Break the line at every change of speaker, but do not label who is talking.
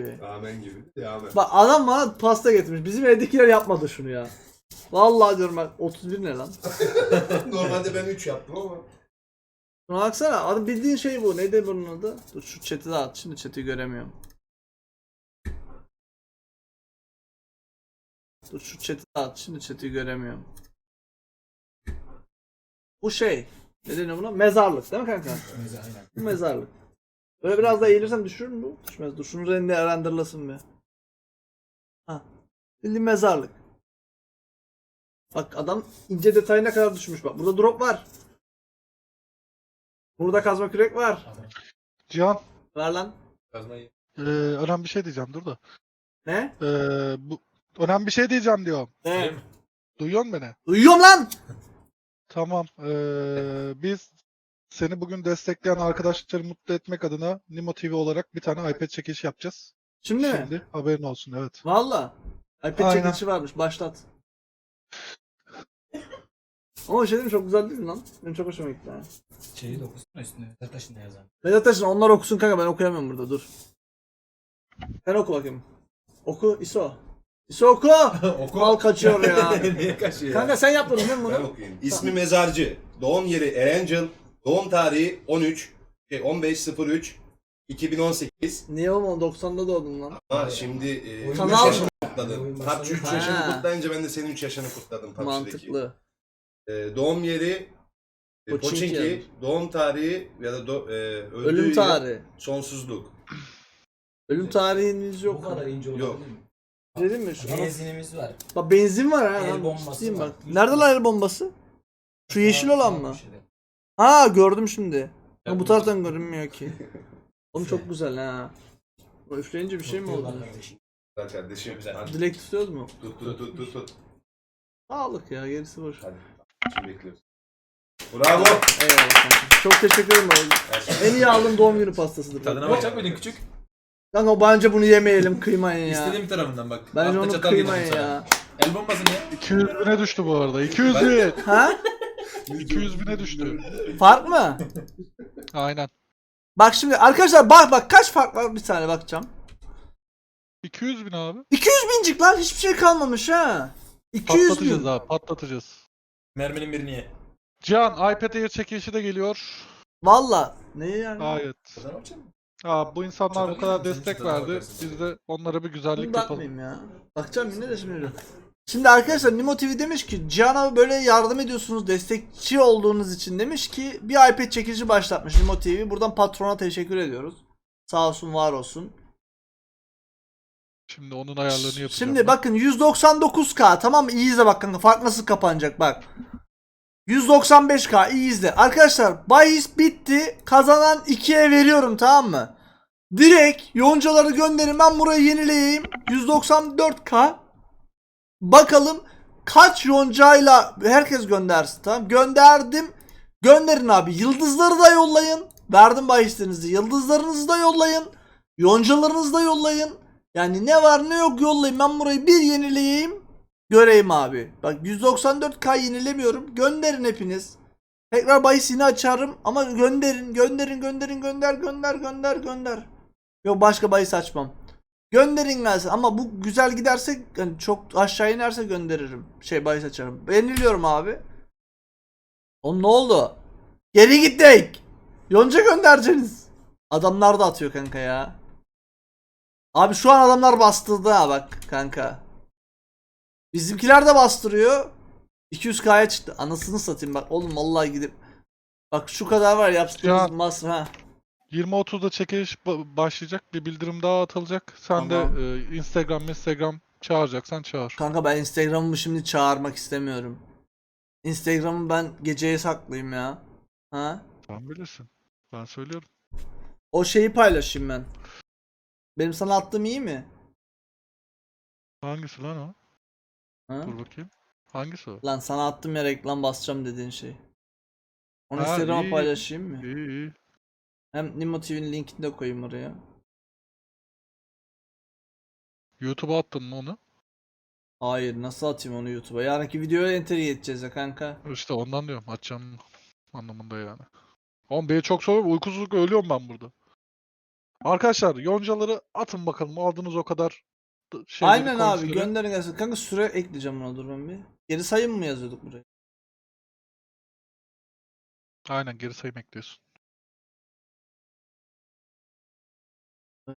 gibi.
Amen gibi. Amen.
Bak adam bana pasta getirmiş. Bizim evdekiler yapmadı şunu ya. Vallahi diyorum bak 31 ne lan?
Normalde ben 3 yaptım ama.
Şuna baksana adam bildiğin şey bu. Neydi bunun adı? Dur şu chat'i de at. Şimdi chat'i göremiyorum. Dur şu chat'i de at. Şimdi chat'i göremiyorum. Bu şey. Ne deniyor buna? Mezarlık değil mi kanka? Bu mezarlık. Böyle biraz daha eğilirsem düşürür mü bu? Düşmez. Dur şunu renderlasın bir. Ha. Bildiğin mezarlık. Bak adam ince detayına kadar düşmüş bak. Burada drop var. Burada kazma kürek var.
Cihan,
Ver lan.
Kazmayı.
önemli bir şey diyeceğim, dur da.
Ne?
Bu önemli bir şey diyeceğim diyorum.
Ne?
Duyuyor musun beni?
Uyuyorum lan.
Tamam. Biz seni bugün destekleyen arkadaşları mutlu etmek adına Nimo TV olarak bir tane iPad çekilişi yapacağız.
Şimdi mi?
Şimdi haberin olsun, evet.
Valla. iPad
Aynen.
çekilişi varmış. Başlat. Ama bir şey diyeyim mi? Çok güzel değil mi lan? Benim çok hoşuma gitti ha.
Şeyi de okusana üstünde. Taşında yazan.
Vedat Taşın onlar okusun kanka ben okuyamıyorum burada dur. Sen oku bakayım. Oku ISO. ISO oku!
Oku.
Mal kaçıyor ya.
Niye kaçıyor ya?
Kanka sen yapmadın değil mi
Ben
bunu?
okuyayım. İsmi Mezarcı. Doğum yeri Erencil. Doğum tarihi 15.03.2018.
Niye oğlum 90'da doğdun lan?
Ama şimdi 3
Kanal-
yaşını kutladın. PUBG 3 yaşını
Ha.
kutlayınca ben de senin 3 yaşını kutladım PUBG'deki.
Mantıklı.
Doğum yeri
Pochinki
Pochinki.
yani.
Doğum tarihi ya da öldüğü
Ölüm
yıl
tarihi.
sonsuzluk.
Ölüm tarihiniz
Bu
yok.
kadar ince olabilir
Yok.
mi?
Değil mi? Şu
Benzinimiz var.
Bak benzin var ha.
El
lan.
bombası
Ciddiyim
var.
bak. Nerede lan el bombası? Şu yeşil olan mı?
Bir şeyler.
Ha gördüm şimdi. Ama bu taraftan görünmüyor ki. Oğlum çok güzel ha. Bu üfleyince bir şey mi oldu?
Tutuyorlar kardeşim.
Güzel kardeşim.
Güzel.
Hadi.
Dilek tutuyoruz mu?
Tut.
Sağlık ya gerisi boş.
Hadi. Şimdi bekliyoruz. Bravo.
Eyvallah kanka. Çok teşekkür ederim oğlum. En iyi aldığım doğum günü pastasıdır.
Tadına bakacak mıydın küçük?
Kanka bence bunu yemeyelim kıymayın ya.
İstediğim tarafından bak.
Bence
Altta
onu
çatal
kıymayın
yedim sana.
ya.
El bombası ne?
200 bine düştü bu arada. 200 bin.
Ha?
200 bine düştü.
Fark mı?
Aynen.
Bak şimdi arkadaşlar bak kaç fark var bir saniye bakacağım.
200 bin abi.
200 bincik lan hiçbir şey kalmamış ha. 200
Patlatacağız
bin.
abi, patlatacağız.
Merminin birini ye.
Cihan, iPad Air çekilişi de geliyor.
Valla. Ne yani?
Gayet.
Tadına bakacak mısın?
Bu insanlar bu kadar destek
Tadına
verdi.
bakarsın.
Biz de onlara bir güzellik
Bunu
yapalım.
bakmayayım ya. Bakacağım yine de şimdi. Şimdi arkadaşlar Nimo TV demiş ki Cihan abi böyle yardım ediyorsunuz destekçi olduğunuz için demiş ki bir iPad çekilişi başlatmış Nimo TV. Buradan patrona teşekkür ediyoruz. Sağ olsun var olsun.
Şimdi onun ayarlarını yapacağım.
Şimdi bakın 199K tamam mı? İyi izle bak kanka. Fark nasıl kapanacak bak. 195K iyi izle. Arkadaşlar bahis bitti. Kazanan 2'ye veriyorum tamam mı? Direkt yoncaları gönderin. Ben burayı yenileyeyim. 194K. Bakalım kaç yoncayla herkes göndersin tamam. Gönderdim. Gönderin abi. Yıldızları da yollayın. Verdim bahislerinizi. Yıldızlarınızı da yollayın. Yoncalarınızı da yollayın. Yani ne var ne yok yollayın. Ben burayı bir yenileyeyim. Göreyim abi. Bak 194K yenilemiyorum. Gönderin hepiniz. Tekrar bahis yine açarım. Ama gönderin. Gönder. Yok başka bahis açmam. Gönderin gelsin. Ama bu güzel giderse yani çok aşağı inerse gönderirim. Bahis açarım. Yeniliyorum abi. Oğlum ne oldu? Geri gittik. Yonca göndereceksiniz. Adamlar da atıyor kanka ya. Abi şu an adamlar bastırdı ha bak kanka. Bizimkiler de bastırıyor. 200K'ya çıktı. Anasını satayım bak oğlum vallahi gidip. Bak şu kadar var yaptığımız
Ya.
masraf ha.
20.30'da çekiliş başlayacak. Bir bildirim daha atılacak. Sen
Tamam.
de Instagram çağıracaksan çağır.
Kanka ben Instagram'ımı şimdi çağırmak istemiyorum. Instagram'ı ben geceye saklayayım ya. Ha?
Sen bilirsin. Ben söylüyorum.
O şeyi paylaşayım ben. Benim sana attığım iyi mi?
Hangisi lan o?
Ha?
Dur bakayım. Hangisi o?
Lan sana attım ya reklam basacağım dediğin şey. Onu
Ha,
Instagram'a
iyi.
paylaşayım mı?
İyi.
Hem Nimo TV'nin linkini de koyayım oraya.
YouTube'a attın mı onu?
Hayır nasıl atayım onu YouTube'a? Yarınki videoya entegre edeceğiz ya kanka.
İşte ondan diyorum. Açacağım anlamında yani. Oğlum beni çok soruyor. Uykusuzluk ölüyorum ben burada. Arkadaşlar yoncaları atın bakalım. Aldığınız o kadar şeyleri,
Aynen abi
coinsleri.
gönderin gelsin. Kanka süre ekleyeceğim buna, dur ben bir. Geri sayım mı yazıyorduk buraya?
Aynen geri sayım ekliyorsun.